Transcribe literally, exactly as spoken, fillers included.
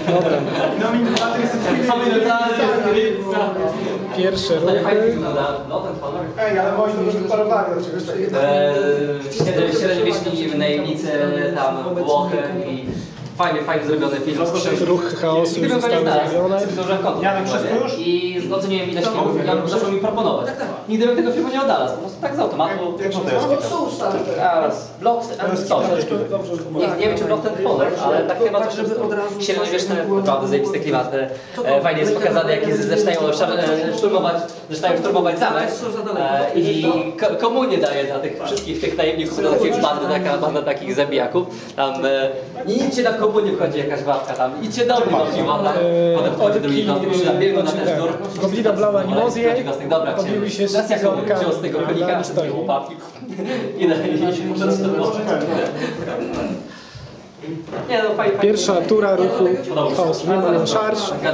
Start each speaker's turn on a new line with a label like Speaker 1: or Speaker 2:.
Speaker 1: Dobra. Pierwsze ruchy.
Speaker 2: Ej, ale moim dużo wyparowali od czegoś takiego.
Speaker 3: Eee, Średniowieczni najemnicy, tam Włochy i fajnie, fajnie zrobiony film.
Speaker 1: Ruchy chaosu już zostały zrobione.
Speaker 3: Janek, wszystko już? I oceniłem ileś filmów i on zaczął mi proponować. Nigdy bym tego filmu nie oddalał, po prostu tak z automatu. Teraz blok and coś. Nie, nie wiem czy blok ten Honor, ale tak chyba coś średniowieczne, naprawdę zajebiste klimaty. E, fajnie jest pokazane jak jest, zaczynają szturmować, zaczynają szturmować zamek e, i ko komunię daje dla tych wszystkich tych najemników, do takiej bandy, taka banda takich zabijaków. Tam e, i idźcie na komunię, wchodzi jakaś babka tam, idźcie do mnie do piła, tak? Potem wchodzi drugi kąt, przyda biegną na ten szturm.
Speaker 1: Goblina blała animozję,
Speaker 3: odbiły
Speaker 1: się z cyganka,
Speaker 3: wziął z tego królika, z tego chłopaki i muszę szturmować. Nie no, fajnie.
Speaker 1: Pierwsza tura ruchu chaosu. Nie ma charge.